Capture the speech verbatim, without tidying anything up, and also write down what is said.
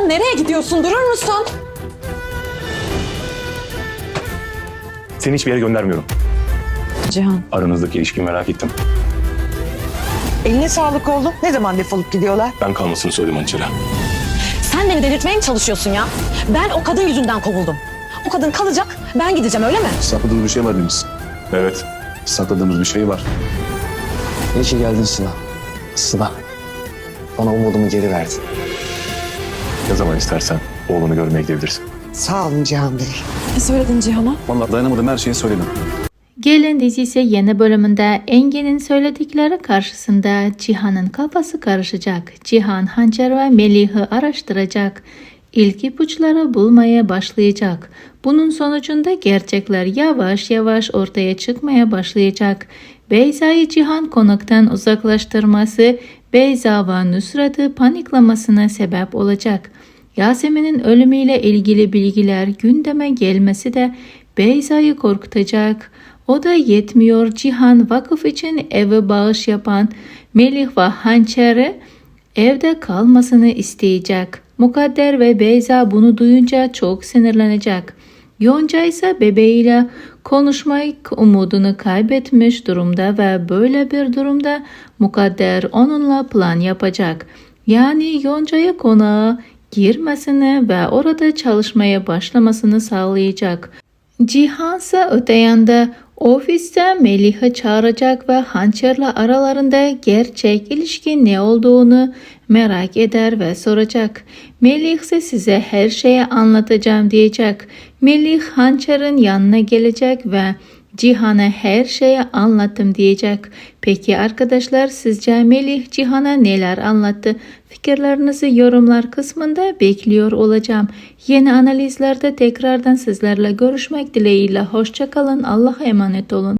Cihan nereye gidiyorsun? Durur musun? Seni hiçbir yere göndermiyorum. Cihan. Aranızdaki ilişkiyi merak ettim. Eline sağlık oğlum. Ne zaman defolup gidiyorlar? Ben kalmasını söyledim Hançer'e. Sen beni delirtmeye mi çalışıyorsun ya? Ben o kadın yüzünden kovuldum. O kadın kalacak, ben gideceğim öyle mi? Sakladığımız bir şey var Deniz. Evet. Sakladığımız bir şey var. İyi ki geldin Sıla. Sıla. Bana umudumu geri verdin. Ne zaman istersen oğlunu görmeye gidebilirsin. Sağ olun Cihan Bey. Ne söyledin Cihan'a? Vallahi dayanamadım, her şeyi söyledim. Gelin dizisi yeni bölümünde Engin'in söyledikleri karşısında Cihan'ın kafası karışacak. Cihan, Hançer ve Melih'i araştıracak. İlk ipuçları bulmaya başlayacak. Bunun sonucunda gerçekler yavaş yavaş ortaya çıkmaya başlayacak. Beyza'yı Cihan konaktan uzaklaştırması Beyza ve Nusrat'ı paniklamasına sebep olacak. Yasemin'in ölümüyle ilgili bilgiler gündeme gelmesi de Beyza'yı korkutacak. O da yetmiyor, Cihan vakıf için eve bağış yapan Melih ve Hançer'i evde kalmasını isteyecek. Mukadder ve Beyza bunu duyunca çok sinirlenecek. Yonca ise bebeğiyle konuşmak umudunu kaybetmiş durumda ve böyle bir durumda Mukadder onunla plan yapacak. Yani Yonca'yı konağa girmesini ve orada çalışmaya başlamasını sağlayacak. Cihan ise öte yanda ofiste Melih'i çağıracak ve Hançer'le aralarında gerçek ilişki ne olduğunu merak eder ve soracak. Melih ise size her şeyi anlatacağım diyecek. Melih Hançer'in yanına gelecek ve Cihan'a her şeyi anlattım diyecek. Peki arkadaşlar, sizce Melih Cihan'a neler anlattı? Fikirlerinizi yorumlar kısmında bekliyor olacağım. Yeni analizlerde tekrardan sizlerle görüşmek dileğiyle. Hoşça kalın. Allah'a emanet olun.